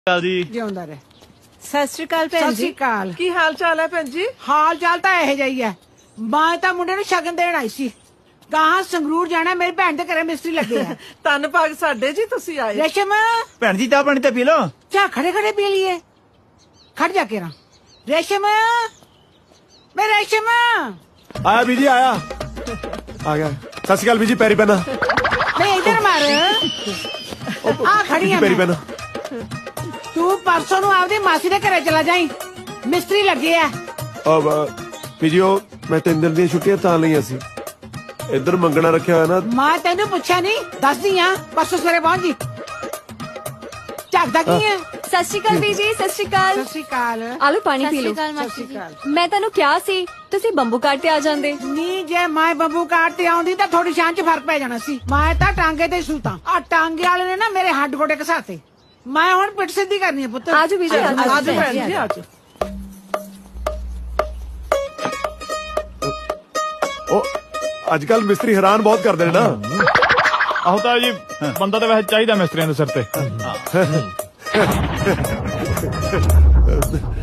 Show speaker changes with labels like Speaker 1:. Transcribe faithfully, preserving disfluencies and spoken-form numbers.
Speaker 1: ਜੀ
Speaker 2: ਜਿਉਂਦਾ ਰਹਿ।
Speaker 3: ਸਤਿ ਸ਼੍ਰੀ ਅਕਾਲ ਭੈਣ
Speaker 2: ਸਤਿ ਸ਼੍ਰੀ
Speaker 3: ਜੀ।
Speaker 2: ਅਕਾਲ।
Speaker 4: ਕੀ ਹਾਲ ਚਾਲ ਹੈ ਭੈਣ ਜੀ?
Speaker 2: ਹਾਲ ਚਾਲ ਤਾਂ ਇਹੋ ਜਿਹਾ ਹੀ ਹੈ। ਮੈਂ ਤਾਂ ਮੁੰਡੇ ਨੂੰ ਸ਼ਗਨ ਦੇਣ ਆਈ ਸੀ। ਗਾਹਾਂ ਸੰਗਰੂਰ ਜਾਣਾ, ਮੇਰੀ ਭੈਣ ਦੇ ਘਰੇ ਮਿਸਤਰੀ ਲੱਗੇ ਆ।
Speaker 4: ਧੰਨ ਭਾਗ ਸਾਡੇ ਜੀ ਤੁਸੀਂ ਆਏ।
Speaker 2: ਰੇਸ਼ਮ
Speaker 1: ਭੈਣ ਜੀ ਚਾਹ ਪਾਣੀ ਤੇ ਪੀ ਲਓ।
Speaker 2: ਚਾਹ ਖੜੇ ਖੜੇ ਪੀ ਲਈਏ। ਖੜ ਜਾ ਕੇ ਰਾਂ। ਰੇਸ਼ਮ ਮੈਂ ਰੇਸ਼ਮ
Speaker 5: ਆਇਆ ਬੀਜੀ ਆਇਆ ਆ ਗਿਆ। ਸਤਿ ਸ਼੍ਰੀ ਅਕਾਲ ਬੀਜੀ, ਪੈਰੀ ਪੈਣਾ
Speaker 2: ਮੈਂ ਇਧਰ ਮਾਰ ਆ ਖੜੀ ਆ
Speaker 5: ਪੈਰੀ
Speaker 2: ਮੈਂ।
Speaker 5: ਪੈਣਾ।
Speaker 2: ਤੂੰ ਪਰਸੋਂ ਨੂੰ ਆਪਦੀ ਮਾਸੀ ਦੇ ਘਰੇ ਚਲਾ ਜਾਈਂ, ਮਿਸਤਰੀ ਲੱਗੇ ਆ।
Speaker 5: ਅਬ ਬੀਜੀ ਉਹ ਮੈਂ ਤਿੰਨ ਦਿਨ ਦੀਆਂ ਛੁੱਟੀਆਂ ਤਾਂ ਲਈਆਂ ਸੀ। ਇੱਧਰ ਮੰਗਣਾ ਰੱਖਿਆ ਹੋਇਆ ਨਾ।
Speaker 2: ਮੈਂ ਤੈਨੂੰ ਪੁੱਛਿਆ ਨਹੀਂ, ਦੱਸਦੀ ਆ ਪਰਸੋਂ ਸਵੇਰੇ ਪਹੁੰਚ ਜੀ। ਝਾਕਦਾ ਕੀ ਹੈ?
Speaker 3: ਸਤਿ ਸ਼੍ਰੀ ਅਕਾਲ ਬੀਜੀ। ਸਤਿ ਸ਼੍ਰੀ ਅਕਾਲ।
Speaker 2: ਸਤਿ ਸ਼੍ਰੀ ਅਕਾਲ।
Speaker 3: ਆਲੂ ਪਾਣੀ ਪੀ ਲਓ।
Speaker 2: ਸਤਿ ਸ਼੍ਰੀ ਅਕਾਲ।
Speaker 3: ਮੈਂ ਤੁਹਾਨੂੰ ਕਿਹਾ ਸੀ ਤੁਸੀਂ ਬੰਬੂ ਕਾਟ ਤੇ ਆ ਜਾਂਦੇ।
Speaker 2: ਨੀ ਜੇ ਮੈਂ ਬੱਬੂ ਕਾਟ ਤੇ ਆਉਂਦੀ ਤਾਂ ਥੋੜੀ ਸ਼ਾਨ ਚ ਫਰਕ ਪੈ ਜਾਣਾ ਸੀ। ਮੈਂ ਤਾਂ ਟਾਂਗੇ ਤੇ ਸੂਤਾਂ। ਆ ਟਾਂਗੇ ਵਾਲੇ ਨੇ ਨਾ ਮੇਰੇ ਹੱਡ ਗੋਡੇ ਘਸਾਤੇ। ਮੈਂ ਹੁਣ ਪਿੱਠ ਸਿੱਧੀ ਕਰਨੀ ਹੈ ਪੁੱਤ।
Speaker 3: ਆਜੋ ਬੀਜੀ, ਆਜੋ।
Speaker 4: ਆਜੋ ਭੈਣ ਜੀ ਆਜੋ।
Speaker 5: ਉਹ ਅੱਜ ਕੱਲ ਮਿਸਤਰੀ ਹੈਰਾਨ ਬਹੁਤ ਕਰਦੇ ਨੇ ਨਾ।
Speaker 1: ਆਹੋ ਤਾਂ ਜੀ ਬੰਦਾ ਤਾਂ ਵੈਸੇ ਚਾਹੀਦਾ ਮਿਸਤਰੀਆਂ ਦੇ ਸਿਰ ਤੇ।